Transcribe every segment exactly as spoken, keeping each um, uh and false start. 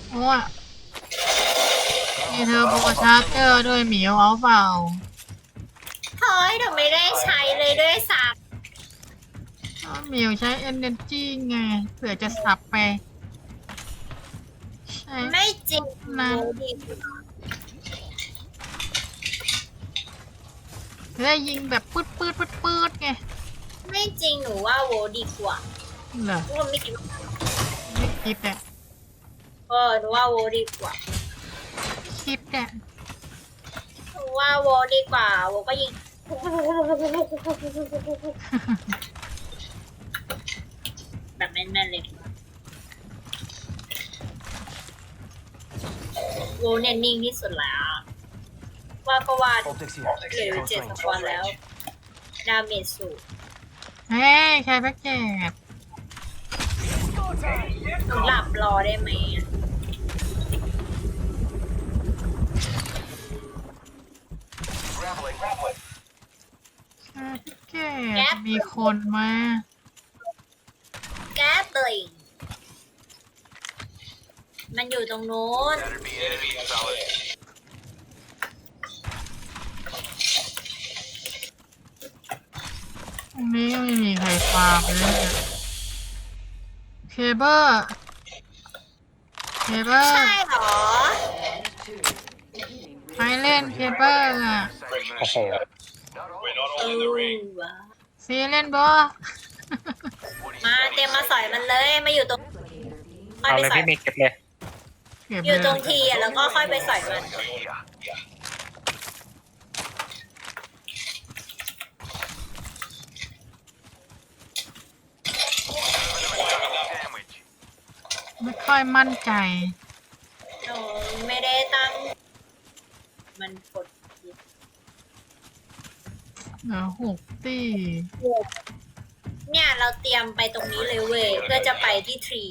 โอ้ยมีเธอโบกชาร์เจอร์ด้วยหมิวเอาเปล่าเฮ้ยเดี๋ยวไม่ได้ใช้เลยด้วยซ้หมิวใช้ Energy ไงเผื่อจะสับไปใช่ำไม่จริงนะดีได้ยิงแบบปืดปืดปืดปืดไงไม่จริงหนูว่าโวดีกว่าเหรอว่าไม่คิดว่าไม่คิดอะเออหนูว่าโวดีกว่าคิดอะหนูว่าโวดีกว่าโวก็ยิงแบบแน่นๆเลยโวเนี่ยนิ่งที่สุดแล้วว่าก็ว่าเหลือเจ็ดสควอตแล้วดาเมจสูงเฮ้ยใช้แพ็กเกจหนูหลับรอได้ไหมใช้แพ็กเกจมีคนมาแก๊ปเลยมันอยู่ตรงโน้นตรงนี้ไม่มีใครฟาร์มเลยเคเบิลเคเบิลใช่เหรอใครเล่นเคเบิลอะโอ้โหเออซีเล่นบอมาเตรียมมาสอยมันเลยมาอยู่ตรงเอาเลยพี่มีเก็บเลยอยู่ตรงทีอ่ะแล้วก็ค่อยไปสอยมันไม่ค่อยมั่นใจหนูไม่ได้ตั้งมันกดเหลือหกตีเนี่ยเราเตรียมไปตรงนี้เลยเว้ยเพื่อจะไปที่ทรี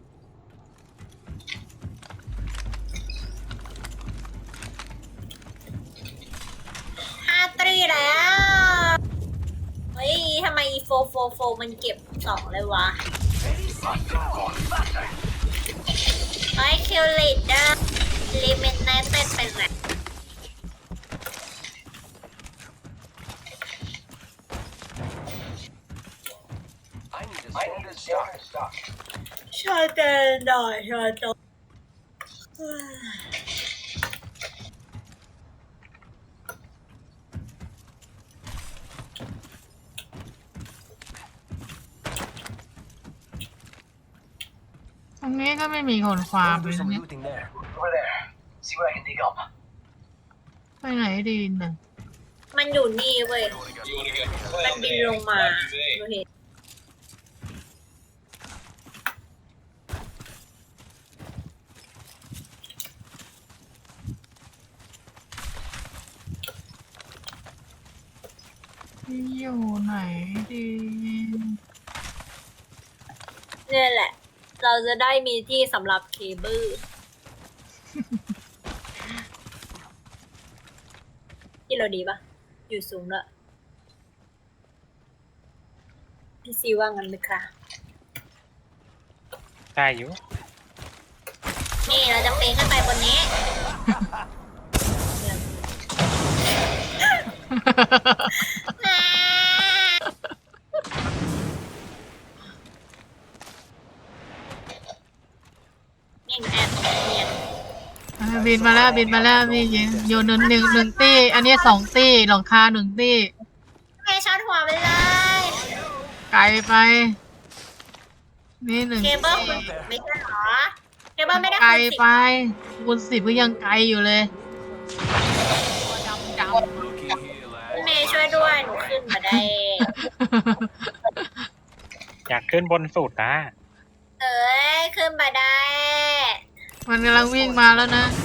ห้าตรีแล้วเฮ้ยทำไมโฟโฟโฟมันเก็บสองเลยวะไอ้คิวลิดเดอร์ลิมิตเนตเต้นเป็นไงชาเตนดอยชาโตตรงนี้ก็ไม่มีคนฟาร์มเลยเนี่ยไปไหนดีน่ะมันอยู่นี่เว้ยมันบินลงมาดูเห็นอยู่ไหนดีเนี่ยแหละเราจะได้มีที่สำหรับเคเบิลที่เราดีปะอยู่สูงด้วยพี่ซีว่างั้นไหมคะได้อยู่นี่เราจะปีนขึ้นไปบนนี้นี่แอนเนี่ยบินมาแล้วบินมาแล้วพี่ยิงโยนหนึ่งหนึ่งหนึ่งตีอันนี้สองตีหลังคาหนึ่งตีให้ช็อตหัวไปเลยไกลไปนี่หนึ่งเคเบิลไม่ใช่หรอเคเบิลไม่ได้ไกลคูณสิบไปคูณสิบก็ยังไกลอยู่เลยดำดำเมย์ช่วยด้วยหนูขึ้นมาได้อยากขึ้นบนสุดนะเอ้ยขึ้นมาได้มันกำลังวิ่งมาแล้วนะ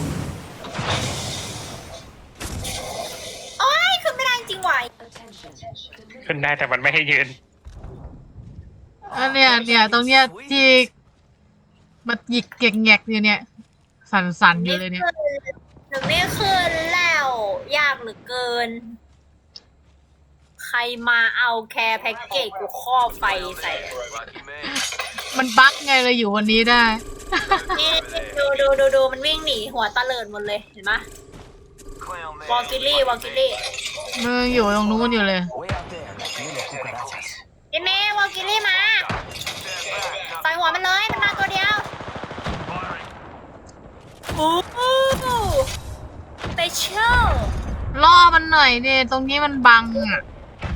โอ้ยขึ้นไม่ได้จริงว่ะขึ้นได้แต่มันไม่ให้ยืนอันเนี้ยเนี่ยตรงเนี้ยที่มันหยิกเก่งแงกอยู่เนี่ยสั่นๆอยู่เลยเนี่ยหนูไม่ขึ้นแล้วยากเหลือเกินใครมาเอาแคร์แพ็กเกจกูข้อไฟใส่มันบั๊กไงเลยอยู่วันนี้ได้นี่ดูดูดูดูมันวิ่งหนีหัวตะเลิดหมดเลยเห็นไหมวอลกิลี่วอลกิลี่มึงอยู่ตรงนู้นอยู่เลยเอเมวอลกิลี่มาใส่หัวมันเลยมันมาตัวเดียวโอ้โหสเปเชียลล่อมันหน่อยดิตรงนี้มันบังอ่ะ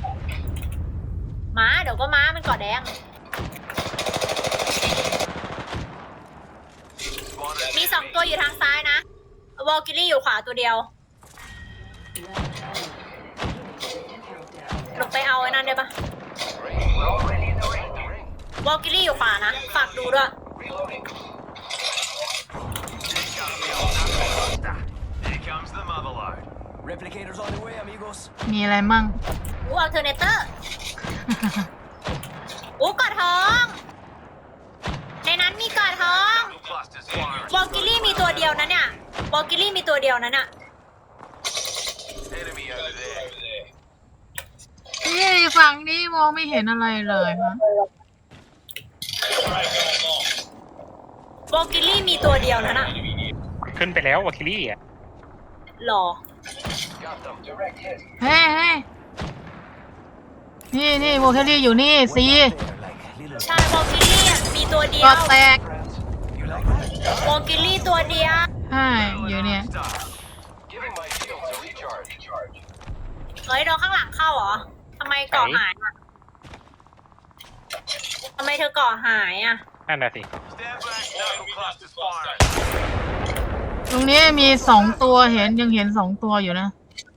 ม้าเดี๋ยวก็ม้ามันเกาะแดงมีสองตัวอยู่ทางซ้ายนะวอลกิลี่อยู่ขวาตัวเดียวหลบไปเอาไอ้นั่นได้ปะวอลกิลี่อยู่ขวานะฝากดูด้วย Replicators on the way, amigos. มีอะไรมั่งอู้อัลเทอร์เนเตอร์ อู้กอดท้อง ในนั้นมีกอดท้องวอลกิลี่มีตัวเดียวนะเนี่ยวอลกิลี่มีตัวเดียวนะเนี่ยนี่ฝั่งนี้มองไม่เห็นอะไรเลยฮะวอลกิลี่มีตัวเดียวนะน่ะขึ้นไปแล้ววาคิลี่อ่ะหรอเฮ้ยเฮ้ยนี่นี่โมเคลลี่อยู่นี่ซี They're like little. ใช่วอลกิลี่อะมีตัวเดียก็วแตก You like that? วอลกิลี่ตัวเดียวใช่อยู่เนี่ยเฮ้ยโดนข้างหลังเข้าเหรอทำไมเกาะหายอ่ะทำไมเธอเกาะหายอ่ะนั่นน่ะสิตรงนี้มีสองตัวเห็นยังเห็นสองตัวอยู่นะ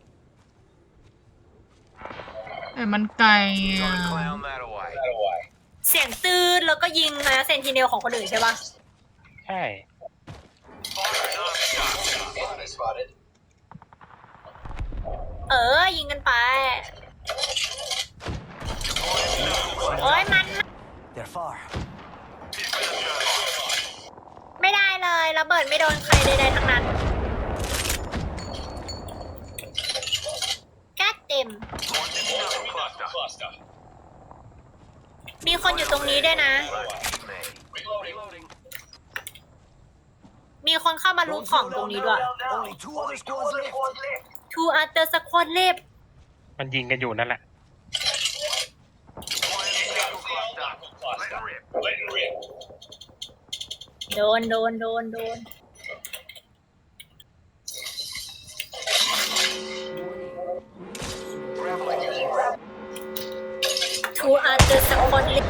แต่มันไกลอ่ะเสียงตื้นแล้วก็ยิงนะเซนติเนลของคนอื่นใช่ปะใช่เออ ยิงกันไป โอ้ยมัน They're far. ไม่ได้เลยระเบิดไม่โดนใครใดๆทั้งนั้นแก๊สเต็ม มีคนอยู่ตรงนี้ด้วยนะ มีคนเข้ามาลุกของตรงนี้ด้วย Only two other squads left. Two other squad left มันยิงกันอยู่นั่นแหละโดนโดนโดนโดน Two other squad left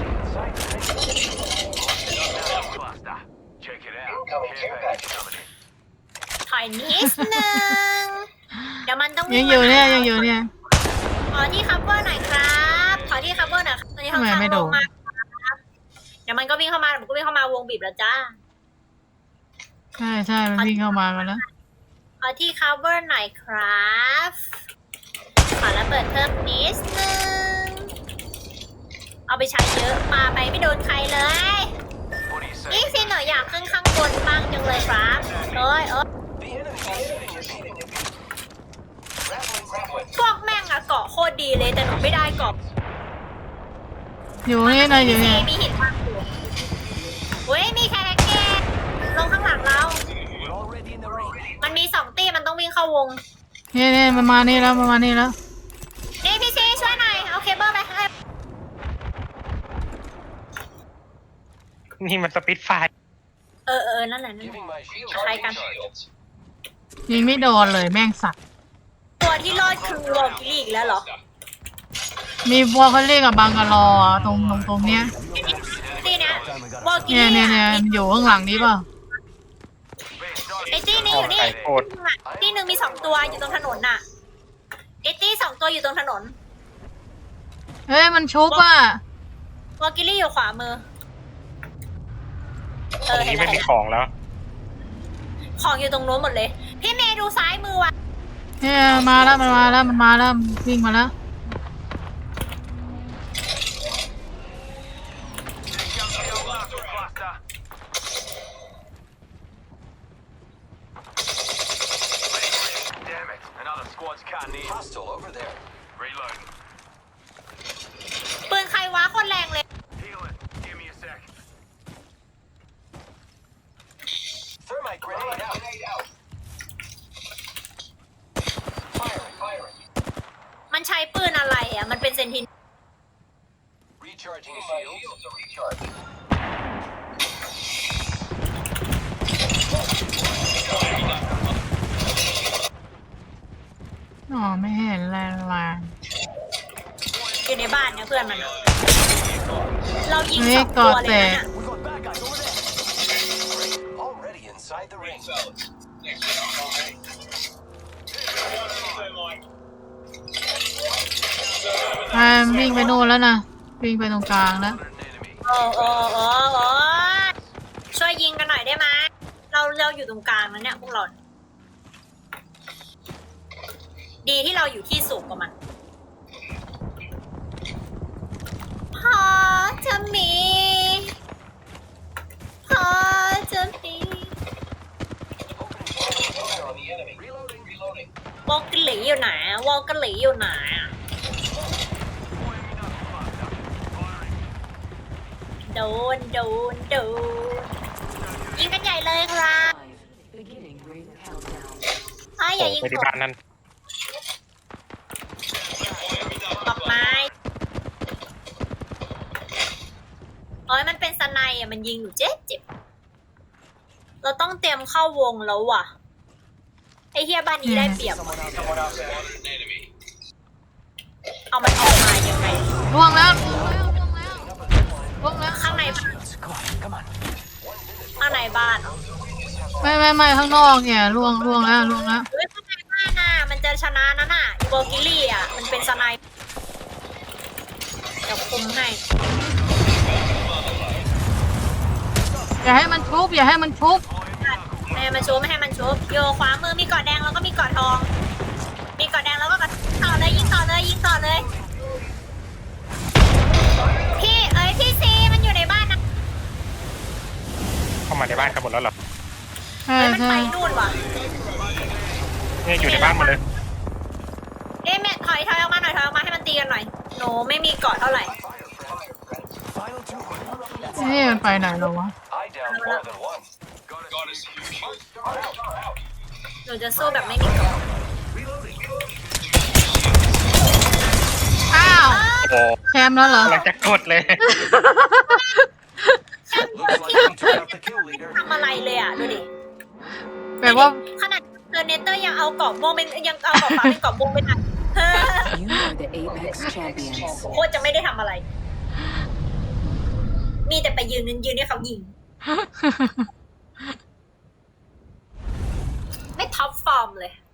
ถอยนิดนึง เดี๋ยวมันต้องยัวิ่งงอยู่เนี่ยมาหายังอยู่เนี่ยขอที่คัฟเวอร์หน่อยครับขอที่คัฟเวอร์หน่อยครับตอนนี้ข้างทำไมไม่ๆโดลนงมาครับเดี๋ยวมันก็วิ่งเข้ามาเดี๋ยวมันก็วิ่งเข้ามาวงบีบแล้วจ้าใช่ใช่มันวิ่งเข้ามากันแล้วขอที่ cover หน่อยครับขอระเบิดเพิ่มนิดนึง เอาไปใช้เยอะปาไปไม่โดนใครเลย นี่สิหนูอยากขึ้นข้างบนบ้างจังเลยครับเอ้ยเอ้ยพวกแม่งอะเกาะโคตรดีเลยแต่หนูไม่ได้เกาะอยู่นี่นะอยู่เนี่ยมีหินบ้างอยู่เว้ยมีแครกเกตลงข้างหลังเรา We're already in the ring. มันมีสองตีมันต้องวิ่งเข้าวงนี่นี่มันมานี่แล้วมันมานี่แล้วนี่พี่ซีช่วยหน่อย เอาเคเบิลไปให้นี่มันสปิดไฟเออเออนั่นแหละนั่นแหละใช้กันยิงไม่โดนเลยแม่งสัตว์ตัวที่รอดคือวอลกิลี่อีกแล้วเหรอมีวอลเคลลี่กับบังกะลอตรงตรงตรงเนี้ยตีเนี้ย วอลกิเนี่ยลี่เนี่ยเนี่ยอะมันอยู่ข้างหลังนี้เปล่าไอ้ตีนี่อยู่นี่ไก่โคตรตีหนึ่งมีสองตัวอยู่ตรงถนนน่ะไอ้ตีสองตัวอยู่ตรงถนนเฮ้ยมันชุบอ่ะวอลกิลี่อยู่ขวามือ เอตรอง เห็นนี้แล้วไม่เห็มีนแล้วของแล้วของอยู่ตรงโน้นหมดเลย พี่เมย์ดูซ้ายมือว่ะเนี่ยมาแล้วมันมาแล้วมันมาแล้วมันวิ่งมาแล้ว Hostile over there. ปืนใครวะโคนแรงเลยนทิน Recharging shields. อ๋อไม่เห็นแรงมาอยู่ในบ้านเนี่ยเพื่อนมันอะเรายิงเฮ้สยองตัวเลยก่อแตนะกน่ะ We got bad guys over there. Great. Already inside the ring. อ่าวิ่งไปโน่นแล้วนะวิ่งไปตรงกลางแล้วโอ้โอ้โอ้โอ้ช่วยยิงกันหน่อยได้ไหมเราเราอยู่ตรงกลางนะเนี่ยพวกเรา ดีที่เราอยู่ที่สูงกว่ามันพอจะมีพอจะมีวอลกหลีอยู่ไหนวอลกหลีอยู่ไหนอะโดนโดนโดนยิงกันใหญ่เลยครับ Beginning ring countdown. เอ้ยอย่ายิงไปที่ผมบ้านนั้นดอกไม้เอ้ยมันเป็นสไนอ่ะมันยิงอยู่เจ็บเจ็บเราต้องเตรียมเข้าวงแล้วว่ะไอ้เฮียบ้านนี้ได้เปรียบว่ะเอามันออกมายังไงล่วงแล้วล่วงแล้วล่วงแล้วล่วงแล้วข้างใน Come on, come on. ข้างในบ้านเหรอไม่ไม่ไม่ข้างนอกเนี่ยล่วงล่วงแล้วล่วงแล้วเฮ้ยข้างในบ้านน่ะมันจะชนะนั่นน่ะอีโบกิลี่อ่ะมันเป็นสไนเดี๋ยวคุมให้อย่าให้มันชุบอย่าให้มันชุบไม่ให้มันชุบไม่ให้มันชุบโยขวามือมีเกาะแดงแล้วก็มีเกาะทอง มีเกาะแดงแล้วก็เกาะต่อเลยยิงต่อเลยยิงต่อเลยพี่เอ้ยพี่ซีมันอยู่ในบ้านนะเข้ามาในบ้านกันหมดแล้วเหรอใช่เอ้ยมันใช่ไปนู่นว่ะเนี่ยอยู่ในบ้านหมดเลยเอ้ยแม่ถอยถอยออกมาหน่อยถอยออกมาให้มันตีกันหน่อยหนูไม่มีเกาะเท่าไหร่ Final two. นี่มันไปไหนแล้ววะ I downed more than one. Got us. หนูจะสู้แบบไม่มีเกาะอ้าวโอ้โหแชมป์แล้วเหรอกำลังจะกดเลย Looks like we took out the kill leader. ทำอะไรเลยอ่ะดูดิแปลว่าขนาดเทอร์เนเตอร์ยังเอาเกาะม่วงเป็นยังเอาเกาะฟ้าเป็นเกาะม่วงไปไหนเฮ้อ You are the Apex champions. โคตรจะไม่ได้ทำอะไร มีแต่ไปยืนยืนให้เขายิง ไม่ท็อปฟอร์มเลย